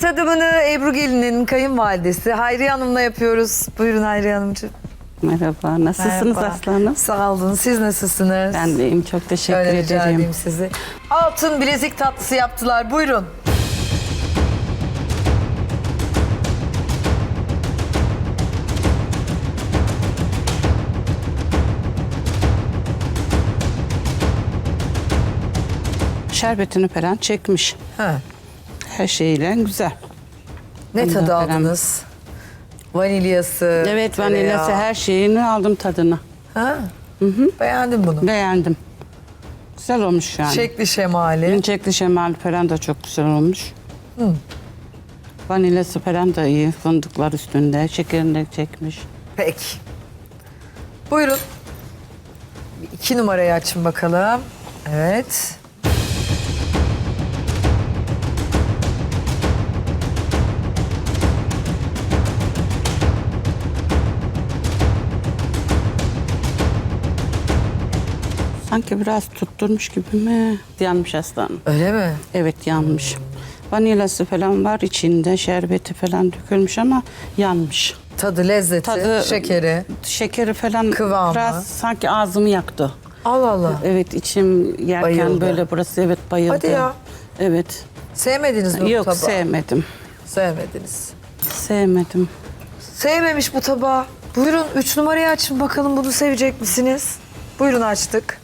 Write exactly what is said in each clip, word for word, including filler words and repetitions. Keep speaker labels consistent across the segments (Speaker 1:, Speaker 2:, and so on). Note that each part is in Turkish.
Speaker 1: tadımını Ebru Gelin'in kayınvalidesi Hayriye Hanım'la yapıyoruz. Buyurun Hayriye Hanımcığım.
Speaker 2: Merhaba, nasılsınız
Speaker 1: Merhaba.
Speaker 2: aslanım?
Speaker 1: Sağ olun, siz nasılsınız?
Speaker 2: Ben deyim, çok teşekkür
Speaker 1: Öyle rica
Speaker 2: ederim.
Speaker 1: edeyim sizi. Altın bilezik tatlısı yaptılar, buyurun.
Speaker 2: Şerbetini falan çekmiş.
Speaker 1: Ha.
Speaker 2: Her şeyle güzel.
Speaker 1: Ne
Speaker 2: Ondan
Speaker 1: tadı
Speaker 2: falan.
Speaker 1: aldınız? Vanilyası,
Speaker 2: Evet,
Speaker 1: tereyağı.
Speaker 2: vanilyası her şeyini aldım tadını.
Speaker 1: Ha? Hı hı. Beğendim bunu.
Speaker 2: Beğendim. Güzel olmuş yani.
Speaker 1: Şekli şemali.
Speaker 2: İncekli şemal falan da çok güzel olmuş.
Speaker 1: Hı.
Speaker 2: Vanilyası falan da iyi. Fındıklar üstünde. Şekerini de çekmiş.
Speaker 1: Peki. Buyurun. Bir İki numarayı açın bakalım. Evet.
Speaker 2: Sanki biraz tutturmuş gibi mi? Yanmış aslanım.
Speaker 1: Öyle mi?
Speaker 2: Evet, yanmış. Vanilyası falan var içinde. Şerbeti falan dökülmüş ama yanmış.
Speaker 1: Tadı, lezzeti,
Speaker 2: Tadı-
Speaker 1: şekeri.
Speaker 2: Şekeri falan
Speaker 1: Kıvamı.
Speaker 2: biraz sanki ağzımı yaktı.
Speaker 1: Allah Allah.
Speaker 2: Evet, içim yerken
Speaker 1: Bayıldı.
Speaker 2: böyle burası evet bayıldı.
Speaker 1: Hadi ya.
Speaker 2: Evet.
Speaker 1: Sevmediniz mi bu
Speaker 2: Yok,
Speaker 1: tabağı?
Speaker 2: sevmedim.
Speaker 1: Sevmediniz.
Speaker 2: Sevmedim.
Speaker 1: Sevmemiş bu tabağı. Buyurun üç numarayı açın bakalım, bunu sevecek misiniz? Buyurun, açtık.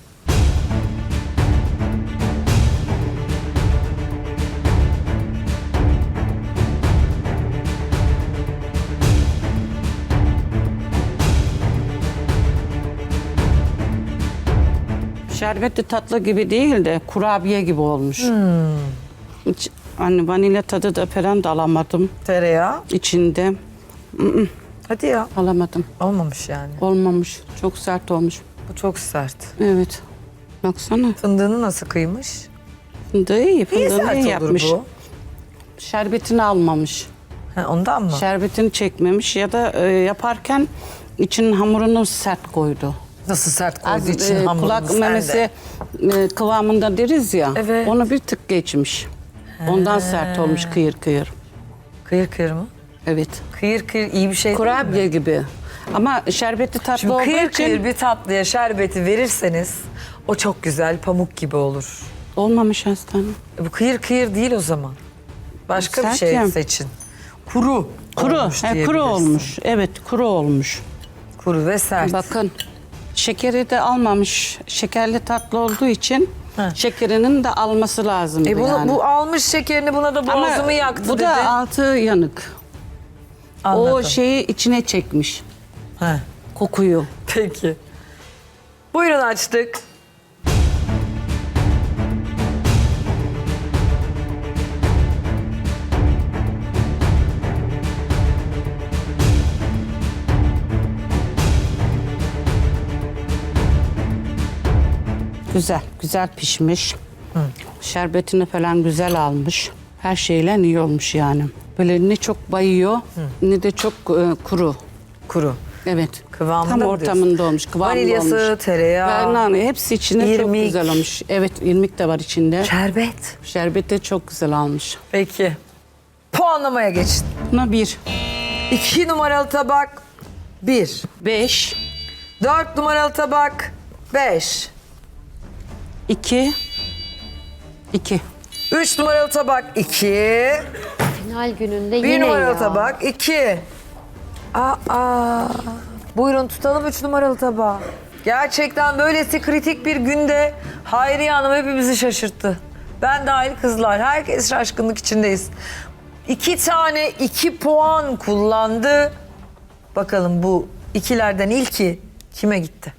Speaker 2: Şerbetli tatlı gibi değil de kurabiye gibi olmuş. Hiç, hani vanilya tadı da falan da alamadım
Speaker 1: Tereyağı.
Speaker 2: içinde.
Speaker 1: Hadi ya.
Speaker 2: Alamadım.
Speaker 1: Olmamış yani.
Speaker 2: Olmamış. Çok sert olmuş.
Speaker 1: Bu çok sert.
Speaker 2: Evet. Baksana.
Speaker 1: Fındığını nasıl kıymış?
Speaker 2: Fındığı iyi.
Speaker 1: Niye
Speaker 2: Fındığını
Speaker 1: sert
Speaker 2: iyi
Speaker 1: olur
Speaker 2: yapmış.
Speaker 1: bu?
Speaker 2: Şerbetini almamış.
Speaker 1: Ha, ondan mı?
Speaker 2: Şerbetini çekmemiş ya da e, yaparken için hamurunu sert koydu.
Speaker 1: Nasıl sert koyduğu
Speaker 2: Az,
Speaker 1: için
Speaker 2: e,
Speaker 1: hamurunu
Speaker 2: kulak
Speaker 1: sen
Speaker 2: memesi
Speaker 1: de.
Speaker 2: e, kıvamında deriz ya.
Speaker 1: Evet.
Speaker 2: Onu bir tık geçmiş. Ondan sert olmuş kıyır kıyır.
Speaker 1: Kıyır kıyır mı?
Speaker 2: Evet.
Speaker 1: Kıyır kıyır iyi bir şey değil mi?
Speaker 2: Kurabiye gibi. Ama şerbetli tatlı
Speaker 1: Şimdi
Speaker 2: olduğu
Speaker 1: kıyır
Speaker 2: için
Speaker 1: kıyır bir tatlıya şerbeti verirseniz o çok güzel pamuk gibi olur.
Speaker 2: olmamış aslanım.
Speaker 1: E, bu kıyır kıyır değil o zaman. Başka bir
Speaker 2: Sert
Speaker 1: şey
Speaker 2: ya.
Speaker 1: seçin. Kuru.
Speaker 2: Kuru,
Speaker 1: olmuş
Speaker 2: he, kuru
Speaker 1: diyebilirsin.
Speaker 2: olmuş. Evet, kuru olmuş.
Speaker 1: Kuru ve sert.
Speaker 2: Bakın, şekeri de almamış. Şekerli tatlı olduğu için
Speaker 1: Heh.
Speaker 2: şekerinin de alması lazımdı
Speaker 1: E bunu,
Speaker 2: yani.
Speaker 1: bu almış şekerini, buna da
Speaker 2: Ama
Speaker 1: boğazımı yaktı
Speaker 2: bu
Speaker 1: dedi.
Speaker 2: da altı yanık.
Speaker 1: Anladım.
Speaker 2: O şeyi içine çekmiş.
Speaker 1: Heh,
Speaker 2: Kokuyu.
Speaker 1: peki. Buyurun, açtık.
Speaker 2: Güzel, güzel pişmiş. Şerbetini falan güzel almış. Her şeyle iyi olmuş yani. Böyle ne çok bayıyor ne de çok e, kuru.
Speaker 1: Kuru.
Speaker 2: Evet.
Speaker 1: Kıvamında
Speaker 2: Tam
Speaker 1: mı
Speaker 2: ortamında olmuş. Kıvamlı
Speaker 1: Vanilyası,
Speaker 2: olmuş.
Speaker 1: tereyağı,
Speaker 2: Ben, hepsi içinde çok
Speaker 1: irmik.
Speaker 2: güzel olmuş. Evet, irmik de var içinde.
Speaker 1: Şerbet.
Speaker 2: Şerbet de çok güzel almış.
Speaker 1: Peki. Puanlamaya geçin.
Speaker 2: Buna bir,
Speaker 1: İki numaralı tabak bir.
Speaker 2: beş,
Speaker 1: Dört numaralı tabak beş.
Speaker 2: iki, iki.
Speaker 1: Üç numaralı tabak iki.
Speaker 3: Final gününde
Speaker 1: Bir
Speaker 3: yine
Speaker 1: numaralı
Speaker 3: ya.
Speaker 1: tabak iki. Aa, buyurun tutalım üç numaralı tabağı. Gerçekten böylesi kritik bir günde Hayriye Hanım hepimizi şaşırttı. Ben dahil kızlar, herkes şaşkınlık içindeyiz. İki tane iki puan kullandı. Bakalım bu ikilerden ilki kime gitti?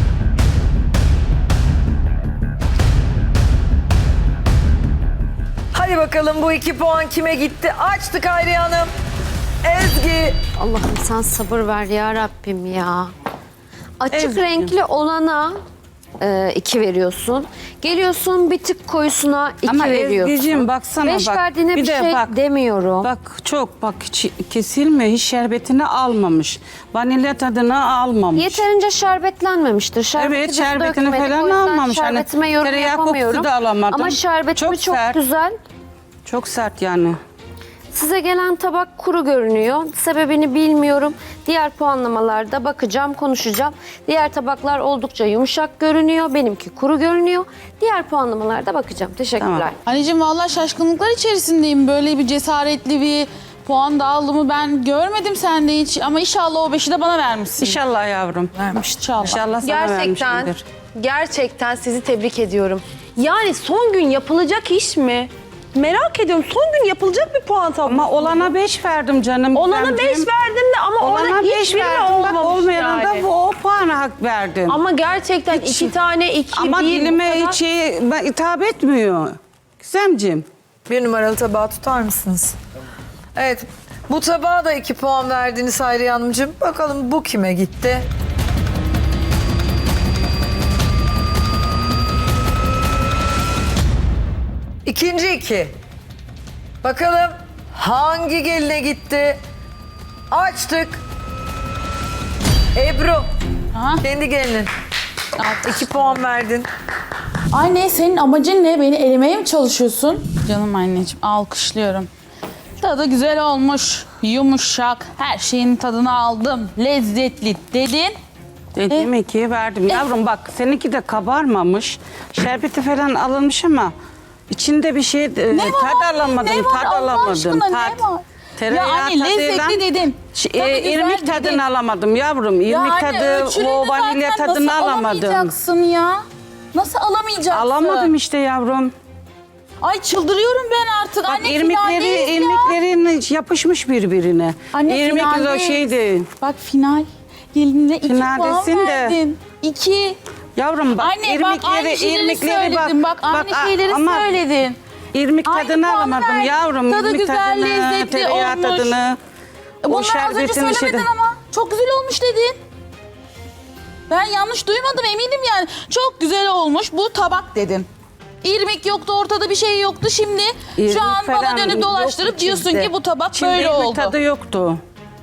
Speaker 1: Hadi bakalım bu iki puan kime gitti? Açtık Hayriye Hanım. Ezgi.
Speaker 3: Allah'ım sen sabır ver ya Rabbim ya. Açık
Speaker 2: Ezgi.
Speaker 3: renkli olana e, iki veriyorsun. Geliyorsun bir tık koyusuna iki
Speaker 2: Ama
Speaker 3: veriyorsun.
Speaker 2: Ezgi'cim baksana
Speaker 3: Beş
Speaker 2: bak.
Speaker 3: verdiğine bir,
Speaker 2: de
Speaker 3: şey
Speaker 2: bak,
Speaker 3: demiyorum.
Speaker 2: Bak çok bak hiç kesilmiyor. Hiç şerbetini almamış. Vanilya tadını almamış.
Speaker 3: Yeterince şerbetlenmemiştir. Şerbeti
Speaker 2: Evet,
Speaker 3: biz
Speaker 2: şerbetini
Speaker 3: dökmedik.
Speaker 2: falan
Speaker 3: O yüzden
Speaker 2: almamış. Hani
Speaker 3: şerbetime yorum
Speaker 2: tereyağı kokusu
Speaker 3: yapamıyorum.
Speaker 2: da alamadım.
Speaker 3: Ama şerbetimi
Speaker 2: Çok
Speaker 3: çok,
Speaker 2: sert.
Speaker 3: güzel.
Speaker 2: Çok sert yani.
Speaker 3: size gelen tabak kuru görünüyor. Sebebini bilmiyorum. Diğer puanlamalarda bakacağım, konuşacağım. Diğer tabaklar oldukça yumuşak görünüyor. Benimki kuru görünüyor. Diğer puanlamalarda bakacağım. Teşekkürler.
Speaker 2: Tamam.
Speaker 4: Anneciğim vallahi şaşkınlıklar içerisindeyim. Böyle bir cesaretli bir puan dağılımı ben görmedim sende hiç. Ama inşallah o beşi de bana vermişsin.
Speaker 2: İnşallah yavrum.
Speaker 4: Vermiş inşallah.
Speaker 2: İnşallah sana
Speaker 5: Gerçekten,
Speaker 2: vermişimdir.
Speaker 5: gerçekten sizi tebrik ediyorum. Yani son gün yapılacak iş mi? Merak ediyorum. Son gün yapılacak bir puan tablosu.
Speaker 2: Ama olana beş verdim canım.
Speaker 5: Olana beş
Speaker 2: Gizemciğim.
Speaker 5: verdim de ama
Speaker 2: Olana
Speaker 5: orada
Speaker 2: beş
Speaker 5: hiçbiri
Speaker 2: verdim. Bak
Speaker 5: olmamış
Speaker 2: olmayana
Speaker 5: yani.
Speaker 2: da bu o puana hak verdim.
Speaker 5: Ama gerçekten iki tane, iki,
Speaker 2: Ama
Speaker 5: bir, bu
Speaker 2: dilime
Speaker 5: kadar-
Speaker 2: şey, ben- hitap etmiyor. Gizemciğim.
Speaker 1: Bir numaralı tabağı tutar mısınız? Evet. Bu tabağa da iki puan verdiniz Hayriye Hanımcığım. Bakalım bu kime gitti? İkinci iki. Bakalım hangi geline gitti? Açtık. Ebru.
Speaker 4: Ha?
Speaker 1: Kendi gelinin. İki puan verdin.
Speaker 4: Anne senin amacın ne? Beni elemeye mi çalışıyorsun? Canım anneciğim alkışlıyorum. Tadı güzel olmuş, yumuşak, her şeyin tadını aldım, lezzetli dedin.
Speaker 2: Dediğim ikiyi verdim. Yavrum bak seninki de kabarmamış. Şerbeti falan alınmış ama içinde bir şey e,
Speaker 4: Ne var
Speaker 2: tad
Speaker 4: anne?
Speaker 2: alamadım.
Speaker 4: Ne var
Speaker 2: Tad
Speaker 4: Allah
Speaker 2: alamadım.
Speaker 4: aşkına, ne
Speaker 2: Tad.
Speaker 4: var?
Speaker 2: Tereyağı
Speaker 4: Ya anne,
Speaker 2: tadıyla-
Speaker 4: lezzetli dedin.
Speaker 2: Ş-
Speaker 4: Tadı
Speaker 2: e,
Speaker 4: güzel
Speaker 2: irmik
Speaker 4: dedin.
Speaker 2: tadını alamadım yavrum. İrmik
Speaker 4: Yani
Speaker 2: tadı,
Speaker 4: ölçülüğünü
Speaker 2: o vanilya
Speaker 4: zaten
Speaker 2: tadını
Speaker 4: nasıl
Speaker 2: alamadım.
Speaker 4: alamayacaksın ya? Nasıl alamayacaksın?
Speaker 2: Alamadım işte yavrum.
Speaker 4: Ay çıldırıyorum ben artık.
Speaker 2: Bak
Speaker 4: Anne
Speaker 2: irmikleri,
Speaker 4: finaldeyiz ya.
Speaker 2: irmiklerin yapışmış birbirine.
Speaker 4: Anne
Speaker 2: İrmik o
Speaker 4: finaldeyiz.
Speaker 2: şeydi.
Speaker 4: Bak final. Gelinine iki puan
Speaker 2: Finaldesin de.
Speaker 4: verdin. İki.
Speaker 2: Yavrum bak
Speaker 4: Anne bak
Speaker 2: irmikleri,
Speaker 4: aynı şeyleri
Speaker 2: irmikleri
Speaker 4: söyledin. Bak, aynı
Speaker 2: a-
Speaker 4: şeyleri
Speaker 2: ama
Speaker 4: söyledin.
Speaker 2: İrmik
Speaker 4: Aynı
Speaker 2: tadını
Speaker 4: puanı
Speaker 2: alamadım
Speaker 4: verdin.
Speaker 2: yavrum.
Speaker 4: Tadı
Speaker 2: irmik
Speaker 4: güzel,
Speaker 2: tadını,
Speaker 4: lezzetli
Speaker 2: tereyağı
Speaker 4: olmuş.
Speaker 2: tadını.
Speaker 4: E Bunları az önce
Speaker 2: şerbetin
Speaker 4: söylemedin
Speaker 2: şeyi-
Speaker 4: ama. Çok güzel olmuş dedin. Ben yanlış duymadım eminim yani. Çok güzel olmuş bu tabak dedin. İrmik yoktu, ortada bir şey yoktu. Şimdi
Speaker 2: İrmik
Speaker 4: şu an bana
Speaker 2: falan
Speaker 4: dönüp
Speaker 2: yok
Speaker 4: dolaştırıp diyorsun
Speaker 2: içinde.
Speaker 4: ki bu tabak
Speaker 2: İçinde
Speaker 4: böyle
Speaker 2: irmik
Speaker 4: oldu.
Speaker 2: tadı yoktu.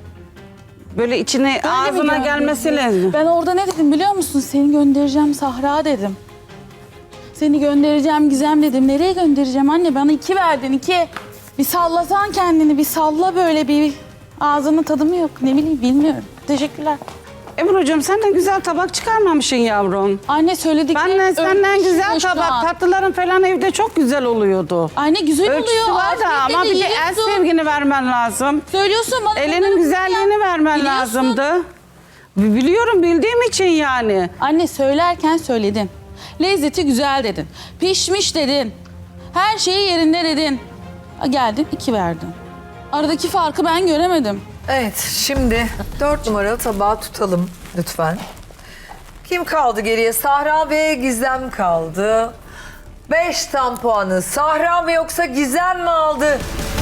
Speaker 2: Böyle içine
Speaker 4: Öyle mi
Speaker 2: ağzına
Speaker 4: gördün?
Speaker 2: gelmesi lazım.
Speaker 4: Ben orada ne dedim biliyor musun? Seni göndereceğim Sahra dedim. Seni göndereceğim Gizem dedim. Nereye göndereceğim anne? Bana iki verdin iki. Bir sallasan kendini, bir salla böyle bir. Ağzının tadı mı yok? Ne bileyim bilmiyorum. Teşekkürler.
Speaker 2: Ebru'cum sen de güzel tabak çıkarmamışsın yavrum.
Speaker 4: Anne söyledik.
Speaker 2: Ben de senden güzel tabak,
Speaker 4: tat.
Speaker 2: tatlıların falan evde çok güzel oluyordu.
Speaker 4: Anne güzel
Speaker 2: Ölçüsü
Speaker 4: oluyor.
Speaker 2: var da
Speaker 4: afiyetle
Speaker 2: ama bir de el
Speaker 4: yiyorsun.
Speaker 2: sevgini vermen lazım.
Speaker 4: Söylüyorsun bana. bunları
Speaker 2: Elinin güzelliğini
Speaker 4: ya.
Speaker 2: vermen
Speaker 4: Biliyorsun.
Speaker 2: lazımdı. Biliyorum bildiğim için yani.
Speaker 4: Anne söylerken söyledin. Lezzeti güzel dedin. Pişmiş dedin. Her şeyi yerinde dedin. Geldin iki verdin. Aradaki farkı ben göremedim.
Speaker 1: Evet, şimdi dört numaralı tabağı tutalım lütfen. Kim kaldı geriye? Sahra ve Gizem kaldı. Beş tam puanı Sahra mı yoksa Gizem mi aldı?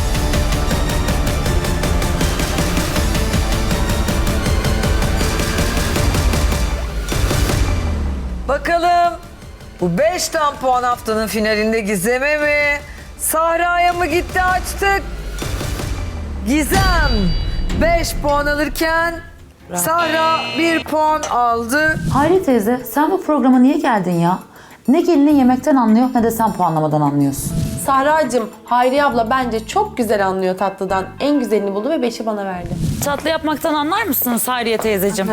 Speaker 1: Bakalım bu beş tam puan haftanın finalinde Gizem'e mi? Sahra'ya mı gitti açtık? Gizem beş puan alırken Sahra bir puan aldı.
Speaker 6: Hayri teyze sen bu programa niye geldin ya? Ne gelinin yemekten anlıyor ne de sen puanlamadan anlıyorsun.
Speaker 5: Sahra'cığım, Hayriye abla bence çok güzel anlıyor tatlıdan. En güzelini buldu ve beşi bana verdi.
Speaker 7: Tatlı yapmaktan anlar mısınız Hayriye teyzeciğim?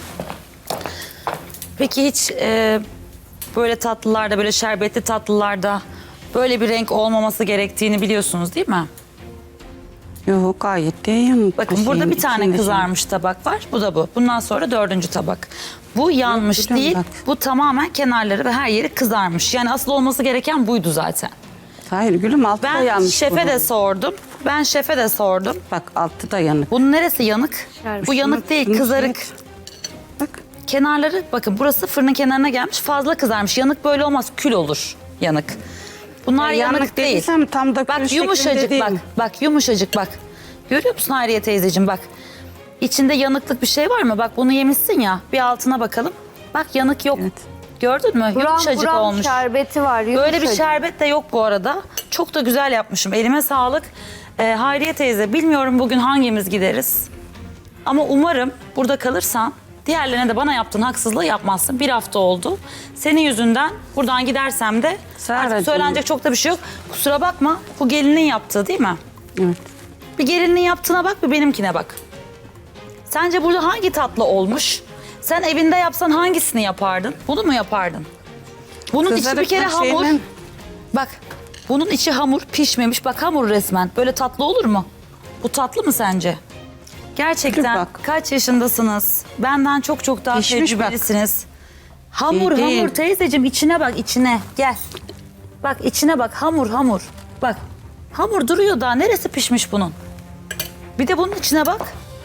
Speaker 7: Peki hiç e, böyle tatlılarda, böyle şerbetli tatlılarda böyle bir renk olmaması gerektiğini biliyorsunuz değil mi?
Speaker 2: Yok gayet de iyi.
Speaker 7: Bakın burada bir tane kızarmış tabak var. Bu da bu. Bundan sonra dördüncü tabak. Bu yanmış
Speaker 2: biliyorum
Speaker 7: değil.
Speaker 2: bak.
Speaker 7: Bu tamamen kenarları ve her yeri kızarmış. Yani asıl olması gereken buydu zaten.
Speaker 2: Hayır gülüm altı da
Speaker 7: Ben
Speaker 2: yanmış.
Speaker 7: şefe
Speaker 2: bunun.
Speaker 7: de sordum. Ben şefe de sordum.
Speaker 2: Bak altı da yanık.
Speaker 7: Bunun neresi yanık? Bu yanık değil,
Speaker 2: şunu
Speaker 7: kızarık.
Speaker 2: şey- Bak.
Speaker 7: Kenarları bakın burası fırının kenarına gelmiş fazla kızarmış. Yanık böyle olmaz kül olur yanık. Bunlar
Speaker 2: Ya
Speaker 7: yanık,
Speaker 2: yanık
Speaker 7: değil.
Speaker 2: dediysem tam da kül
Speaker 7: Bak
Speaker 2: şeklinde
Speaker 7: yumuşacık
Speaker 2: değil.
Speaker 7: bak. Bak yumuşacık bak. Görüyor musun Hayriye teyzeciğim bak. İçinde yanıklık bir şey var mı? Bak bunu yemişsin ya. Bir altına bakalım. Bak yanık yok.
Speaker 2: Evet.
Speaker 7: Gördün mü?
Speaker 3: Buram
Speaker 7: Yumuşacık
Speaker 3: buram
Speaker 7: olmuş.
Speaker 3: şerbeti var.
Speaker 7: Böyle bir
Speaker 3: yumuşacık.
Speaker 7: şerbet de yok bu arada. Çok da güzel yapmışım. Elime sağlık. Ee, Hayriye teyze bilmiyorum bugün hangimiz gideriz. Ama umarım burada kalırsan diğerlerine de bana yaptığın haksızlığı yapmazsın. Bir hafta oldu. Senin yüzünden buradan gidersem de
Speaker 2: Sahra'cığım.
Speaker 7: artık söylenecek çok da bir şey yok. Kusura bakma bu gelinin yaptığı değil mi?
Speaker 2: Evet.
Speaker 7: Bir gelinin yaptığına bak, bir benimkine bak. Sence burada hangi tatlı olmuş? Sen evinde yapsan hangisini yapardın? Bunu mu yapardın? Bunun içi bir kere
Speaker 2: Kızarıklı
Speaker 7: hamur.
Speaker 2: şeyle-
Speaker 7: Bak, bunun içi hamur, pişmemiş. Bak hamur resmen. Böyle tatlı olur mu? Bu tatlı mı sence? Gerçekten
Speaker 2: Dur bak.
Speaker 7: kaç yaşındasınız? Benden çok çok daha
Speaker 2: Pişmiş bak.
Speaker 7: tecrübelisiniz. Hamur
Speaker 2: İyi değil.
Speaker 7: hamur teyzeciğim, içine bak, içine. Gel. Bak içine bak, hamur hamur. Bak, hamur duruyor daha. Neresi pişmiş bunun? Bir de bunun içine bak.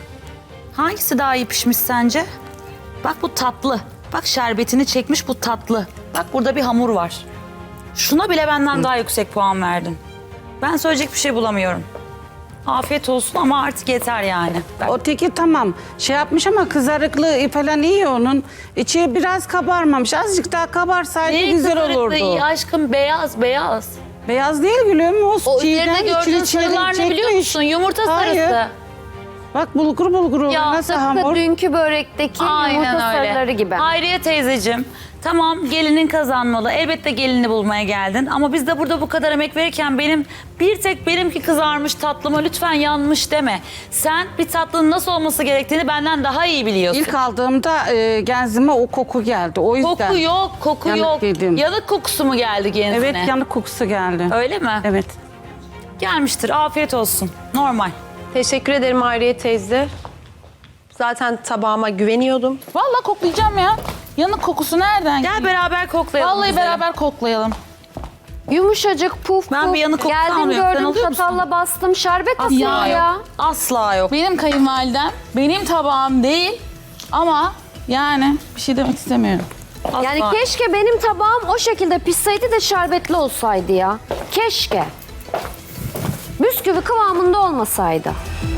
Speaker 7: Hangisi daha iyi pişmiş sence? Bak bu tatlı. Bak şerbetini çekmiş, bu tatlı. Bak burada bir hamur var. Şuna bile benden daha yüksek puan verdin. Ben söyleyecek bir şey bulamıyorum. Afiyet olsun ama artık yeter yani. Ben-
Speaker 2: O teki tamam şey yapmış ama kızarıklığı falan iyi onun. İçi biraz kabarmamış. Azıcık daha kabarsaydı
Speaker 8: Neyin
Speaker 2: güzel
Speaker 8: kızarıklığı
Speaker 2: olurdu.
Speaker 8: iyi aşkım, beyaz beyaz.
Speaker 2: Beyaz değil gülüm. O,
Speaker 8: O
Speaker 2: çiğden
Speaker 8: üzerinde
Speaker 2: içini
Speaker 8: gördüğün
Speaker 2: içeri
Speaker 8: sarılar ne biliyor
Speaker 2: çekmiş.
Speaker 8: musun? Yumurta
Speaker 2: Hayır.
Speaker 8: sarısı.
Speaker 2: Bak bulgur bulgur oldu.
Speaker 8: Ya,
Speaker 2: Nasıl
Speaker 3: Tıpkı
Speaker 2: hamur?
Speaker 3: dünkü börekteki yumurta sarıları gibi.
Speaker 7: Hayriye teyzeciğim, tamam gelinin kazanmalı. Elbette gelini bulmaya geldin. Ama biz de burada bu kadar emek verirken benim bir tek benimki kızarmış tatlıma lütfen yanmış deme. Sen bir tatlının nasıl olması gerektiğini benden daha iyi biliyorsun.
Speaker 2: İlk aldığımda e, genzime o koku geldi. O yüzden.
Speaker 7: Koku yok, koku
Speaker 2: Yanık
Speaker 7: yok.
Speaker 2: yedim.
Speaker 7: Yanık kokusu mu geldi genzine?
Speaker 2: Evet yanık kokusu geldi.
Speaker 7: Öyle mi?
Speaker 2: Evet.
Speaker 7: Gelmiştir, afiyet olsun. Normal.
Speaker 5: Teşekkür ederim Hayriye teyze. Zaten tabağıma güveniyordum.
Speaker 4: Vallahi koklayacağım ya. Yanık kokusu nereden
Speaker 7: Gel beraber koklayalım.
Speaker 4: Vallahi
Speaker 7: güzelim.
Speaker 4: beraber koklayalım.
Speaker 3: Yumuşacık puf
Speaker 7: Ben
Speaker 3: puf.
Speaker 7: bir yanık kokusu
Speaker 3: Geldim
Speaker 7: almıyorum. Sen
Speaker 3: gördüm
Speaker 7: alıyor musun?
Speaker 3: çatalla bastım. Şerbet
Speaker 7: Asla
Speaker 3: atıyor
Speaker 7: yok.
Speaker 3: ya.
Speaker 7: Asla yok.
Speaker 4: Benim kayınvalidem, benim tabağım değil ama yani bir şey demek istemiyorum.
Speaker 7: Asla.
Speaker 3: Yani keşke benim tabağım o şekilde pişseydi de şerbetli olsaydı ya. Keşke. Bisküvi kıvamında olmasaydı.